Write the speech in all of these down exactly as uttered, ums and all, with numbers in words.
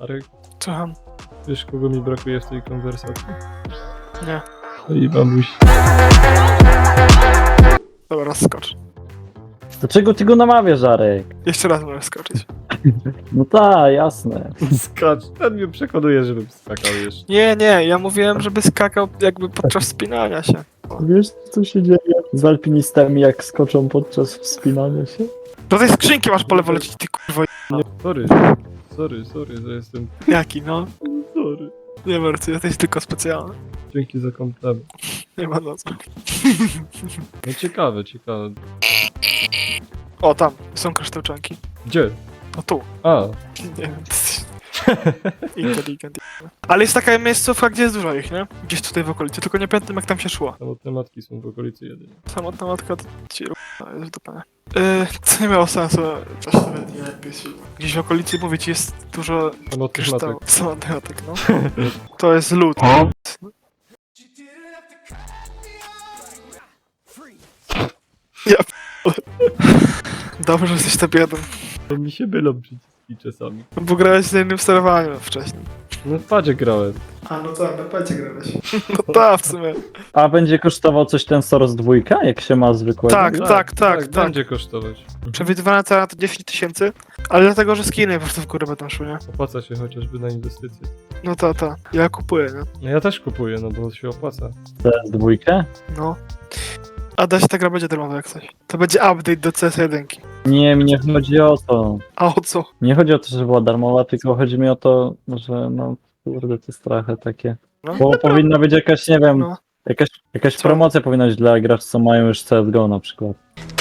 Arek, Słucham. wiesz kogo mi brakuje w tej konwersacji? Nie. Twojej babusi. Dobra, skocz. Dlaczego ty go namawiasz, Arek? Jeszcze raz możesz skoczyć. No tak, jasne. Skacz, ten mnie przekonuje, żebym skakał jeszcze. Nie, nie, ja mówiłem, żeby skakał jakby podczas wspinania się. Wiesz, co się dzieje z alpinistami, jak skoczą podczas wspinania się? Do tej skrzynki masz po lewo lecieć, ty kurwa. Nie, sorry. Sorry, sorry, że jestem... Jaki, no? Sorry. Nie martw, jesteś tylko specjalny. Dzięki za komplement. Nie ma na co. No ciekawe, ciekawe. O, tam, są kryształczanki. Gdzie? No tu. A, Nie wiem, ty jesteś inteligent. Ale jest taka miejscówka, gdzie jest dużo ich, nie? Gdzieś tutaj w okolicy, tylko nie pamiętam jak tam się szło. samotne matki są w okolicy jedynie. Samotna matka to ci r***a jest w dupę. Yy, to nie miało sensu, coś nawet nie jakbyś... Gdzieś w okolicy, mówię ci, jest dużo Samotnych kryształów. matek. Samotnych matek, no. To jest lód. Ja p***le. Dobrze, że jesteś top jeden. To mi się mylą przyciski czasami. Bo grałeś z innym sterowaniem wcześniej. No w padzie grałem. A, no tak, na padzie grałeś. No tak, w sumie. A będzie kosztował coś ten Soros dwójka, jak się ma zwykłego? Tak, tak, tak, tak. Będzie kosztować. Przewidywana cena to dziesięć tysięcy, ale dlatego, że skiny po prostu w górę będą szły, nie? Opłaca się chociażby na inwestycje. No to, to. Ja kupuję, nie? No ja też kupuję, no bo się opłaca. C S dwójkę? No. A da się ta gra będzie darmowa jak coś. To będzie update do C S jeden. Nie, mi nie chodzi o to. A o co? Nie chodzi o to, że była darmowa, tylko chodzi mi o to, że no kurde, to jest trochę takie. No, Bo powinna być jakaś, nie wiem, no. jakaś, jakaś Co? promocja powinna być dla graczy, co mają już C S G O na przykład.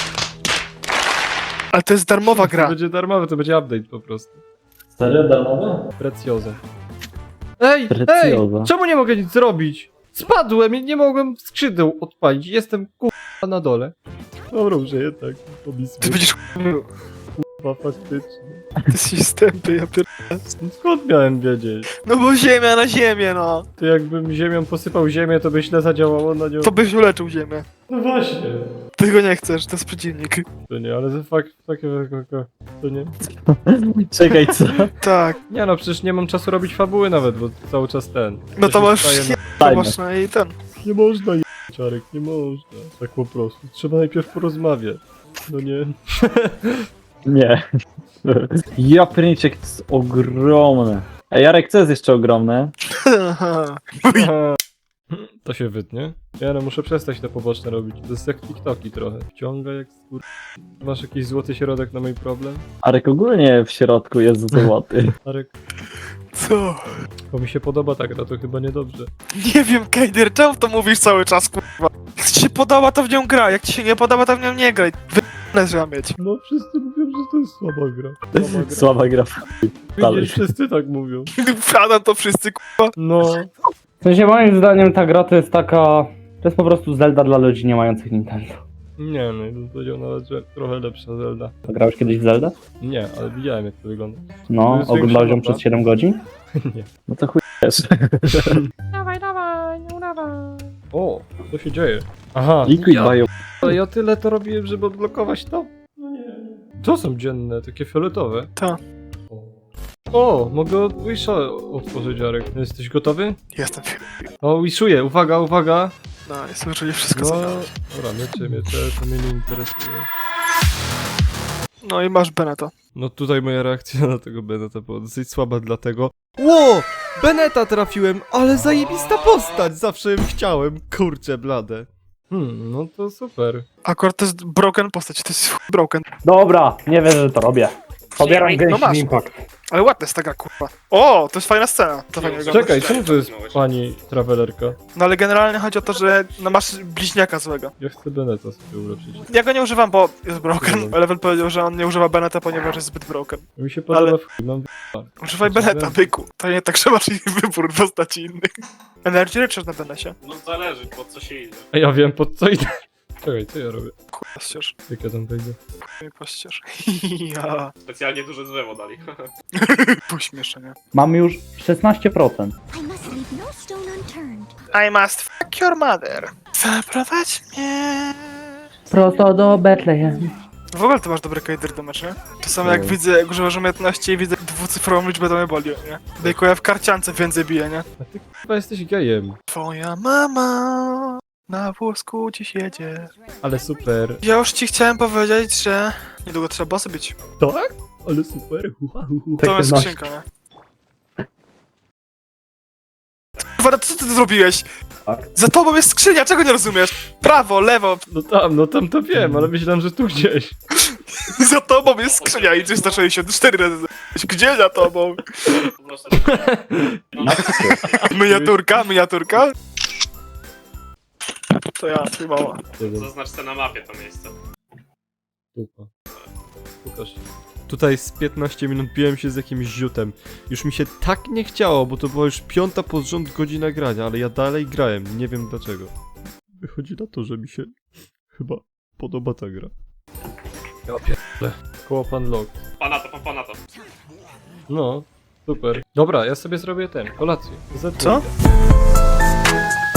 Ale to jest darmowa To gra. będzie darmowe, to będzie update po prostu. Serio darmowe? Precjoza. Ej, Precjoza. ej! Czemu nie mogę nic zrobić? Spadłem i nie mogłem skrzydeł odpalić. Jestem k***a na dole. Dobra, że jednak. Ty będziesz Chyba faktycznie. Ty jesteś stępy, ja pier... No skąd miałem wiedzieć? No bo ziemia na ziemię, no. To jakbym ziemią posypał ziemię, to by źle zadziałało na nią. To byś uleczył ziemię. No właśnie. Ty go nie chcesz, to jest przeciwnik. To nie, ale to fakt, takie, to nie. Czekaj, co? Tak. Nie no, przecież nie mam czasu robić fabuły nawet, bo cały czas ten. No to się masz... wstaje Nie, na- to masz na i ten. Nie można je... Czarek, nie można. Tak po prostu. Trzeba najpierw porozmawiać. No nie. Nie. Ja pierniczek, to jest ogromne. A Jarek, co jest jeszcze ogromne? Aha. To się wytnie. Ja no muszę przestać te poboczne robić. To jest jak TikToki trochę. Wciąga jak skur... Masz jakiś złoty środek na mój problem? Arek ogólnie w środku jest złoty. Arek, Co? bo mi się podoba ta gra, to chyba niedobrze. Nie wiem, Kejder, czemu to mówisz cały czas, kurwa? Jak ci się podoba, to w nią gra, jak ci się nie podoba, to w nią nie graj. Wy***ne trzeba mieć. No wszyscy mówią, że to jest słaba gra. Słaba gra. Słaba gra. dalej. Widzisz, wszyscy tak mówią. Wsiadam to wszyscy, kurwa. No. W sensie moim zdaniem ta gra to jest taka... To jest po prostu Zelda dla ludzi nie mających Nintendo. Nie no, ja bym powiedział nawet, że trochę lepsza Zelda. To grałeś kiedyś w Zeldę? Nie, ale widziałem jak to wygląda. To No, jest oglądałeś ją większa przez siedem godzin? Nie. No to chuj też. Dawaj, dawaj, nie udawaj. O, co się dzieje? Aha, Liquid ja, Bio. ale ja tyle to robiłem, żeby odblokować to. No nie. To są dzienne, takie fioletowe. Tak. O, mogę od Wisha otworzyć, Jarek. Jesteś gotowy? Jestem. O, wiszuję, uwaga, uwaga. No, jest użyli wszystko, No, co... dobra, miecze, miecze, to mnie nie interesuje. No i masz Beneta. No tutaj moja reakcja na tego Beneta była dosyć słaba, dlatego... Ło! Beneta trafiłem, ale zajebista postać! Zawsze ją chciałem, kurczę blade. Hmm, no to super. Akurat to jest broken postać, to jest chuj broken. Dobra, nie wierzę, że to robię. Pobieram No Genshin masz. Impact. Ale ładna jest ta gra, kurwa. O, to jest fajna scena. To fajnie wygląda. Czekaj, czemu to jest pani travelerka? No ale generalnie chodzi o to, że no, masz bliźniaka złego. Ja chcę Beneta sobie ulepszyć. Ja go nie używam, bo jest broken. Level powiedział, że on nie używa Beneta, ponieważ jest zbyt broken. Mi się podoba Ale- w chuj, mam Używaj Beneta, byku. To nie tak, że masz wybór postaci innych. Energy Richard na Benesie. No zależy, po co się idzie. A ja wiem pod co idę. Czekaj, co ja robię? Kurwa, ścież. Jak ja tam wejdę? Nie poścież. Ja. Specjalnie duże drzewo dali. Pośmieszenie. Mam już szesnaście procent. I must leave no stone unturned. I must fuck your mother. Zaprowadź mnie. Prosto do Betlejem. W ogóle ty masz dobry kader do meczu, nie? Czasami jak No. widzę, jak używasz umiejętności i widzę dwucyfrową liczbę, to mnie boli, nie? Tylko ja w karciance więcej biję, nie? A ty chyba jesteś gejem. Twoja mama na włosku dziś jedzie. Ale super. Ja już ci chciałem powiedzieć, że niedługo trzeba bossy bić. Tak? Ale super. Ua, ua, ua. To jest masz. skrzynka, nie? Kurwa, co ty zrobiłeś? Tak. Za tobą jest skrzynia, czego nie rozumiesz? Prawo, lewo, No tam, no tam to wiem, ale myślałem, że tu gdzieś. za tobą jest skrzynia i trzysta sześćdziesiąt cztery razy. Gdzie za tobą? Po prostu. Miniaturka, miniaturka? To ja, twój mama. Zaznacz sobie na mapie to miejsce. Dupa. Pokaż. Tutaj z piętnaście minut biłem się z jakimś ziutem. Już mi się tak nie chciało, bo to była już piąta pod rząd godzina grania, ale ja dalej grałem, nie wiem dlaczego. Wychodzi na to, że mi się chyba podoba ta gra. Ja pierdolę. Koło pan log. Pana to, pana to. No, super. Dobra, ja sobie zrobię ten, kolację. Co?